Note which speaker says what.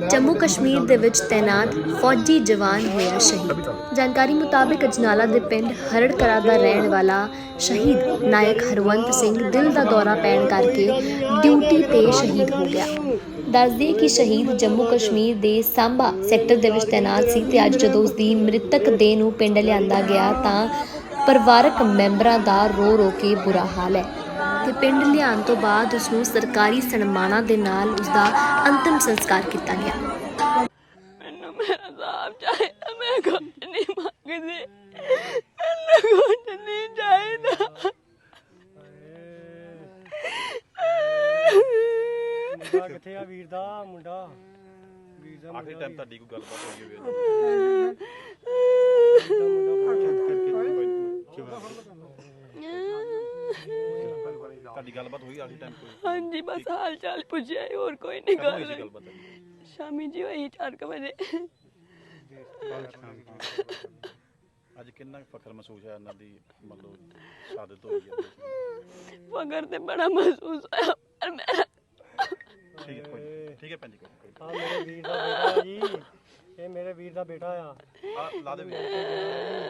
Speaker 1: जम्मू कश्मीर ਦੇ ਵਿੱਚ ਤੈਨਾਤ ਫੌਜੀ ਜਵਾਨ ਹੋਇਆ ਸ਼ਹੀਦ। ਜਾਣਕਾਰੀ ਮੁਤਾਬਕ ਅਜਨਾਲਾ ਦੇ ਪਿੰਡ ਹਰੜਕਲਾ ਦਾ ਰਹਿਣ ਵਾਲਾ ਸ਼ਹੀਦ ਨਾਇਕ ਹਰਵੰਤ ਸਿੰਘ ਦਿਲ ਦਾ ਦੌਰਾ ਪੈਣ ਕਰਕੇ ਡਿਊਟੀ ਤੇ ਸ਼ਹੀਦ ਹੋ ਗਿਆ। ਦੱਸਦੇ ਕਿ ਸ਼ਹੀਦ ਜੰਮੂ ਕਸ਼ਮੀਰ ਦੇ ਸਾਂਬਾ ਸੈਕਟਰ ਦੇ ਵਿੱਚ ਤੈਨਾਤ ਸੀ ਤੇ ਅੱਜ ਜਦੋਂ ਉਸ ਦੀ ਮ੍ਰਿਤਕ ਦੇਹ ਨੂੰ ਪਿੰਡ ਲਿਆਂਦਾ ਗਿਆ ਤਾਂ ਪਰਿਵਾਰਕ ਮੈਂਬਰਾਂ ਦਾ ਰੋ ਰੋ ਕੇ ਬੁਰਾ ਹਾਲ ਹੈ ਤੇ ਪਿੰਡ ਲਿਆਉਣ ਤੋਂ ਬਾਅਦ ਉਸ ਨੂੰ ਸਰਕਾਰੀ ਸਨਮਾਨਾਂ ਦੇ ਨਾਲ ਉਸ ਦਾ ਅੰਤਿਮ ਸੰਸਕਾਰ ਕੀਤਾ ਗਿਆ।
Speaker 2: ਮੈਨੂੰ ਮੇਰਾ ਸਾਹਬ ਚਾਹੀਦਾ, ਮੈਂ ਕੁਝ ਨਹੀਂ ਮੰਗਦੀ, ਮੈਨੂੰ ਕੁਝ ਨਹੀਂ ਚਾਹੀਦਾ।
Speaker 3: ਮੁੰਡਾ ਕਿੱਥੇ ਆ? ਵੀਰ ਦਾ ਮੁੰਡਾ
Speaker 4: ਆਖਰੀ ਟਾਈਮ ਤੁਹਾਡੀ ਕੋਈ ਗੱਲਬਾਤ ਹੋਈ ਹੋਵੇ? ਤੁਹਾਡੀ ਗੱਲਬਾਤ ਹੋਈ ਆਖਰੀ ਟਾਈਮ ਕੋਈ?
Speaker 2: ਹਾਂਜੀ, ਬਸ ਹਾਲ ਚਾਲ ਪੁੱਛਿਆ, ਹੋਰ ਕੋਈ ਨਹੀਂ ਗੱਲ।
Speaker 4: ਗੱਲਬਾਤ
Speaker 2: ਸ਼ਾਮੀ ਜੀ ਹੋਈ 4 ਵਜੇ।
Speaker 4: ਅੱਜ ਕਿੰਨਾ ਫਖਰ ਮਹਿਸੂਸ ਹੈ ਇਹਨਾਂ ਦੀ ਮਤਲਬ ਸ਼ਹਾਦਤ ਹੋਈ ਹੈ?
Speaker 2: ਫਖਰ ਤੇ ਬੜਾ ਮਹਿਸੂਸ ਹੋਇਆ, ਪਰ ਮੈਂ
Speaker 4: ਠੀਕ ਹੈ ਭੈਣ ਜੀ।
Speaker 3: ਮੇਰੇ ਵੀਰ ਦਾ ਬੇਟਾ ਜੀ, ਇਹ ਮੇਰੇ ਵੀਰ ਦਾ ਬੇਟਾ ਆ।
Speaker 4: ਲਾ ਦੇ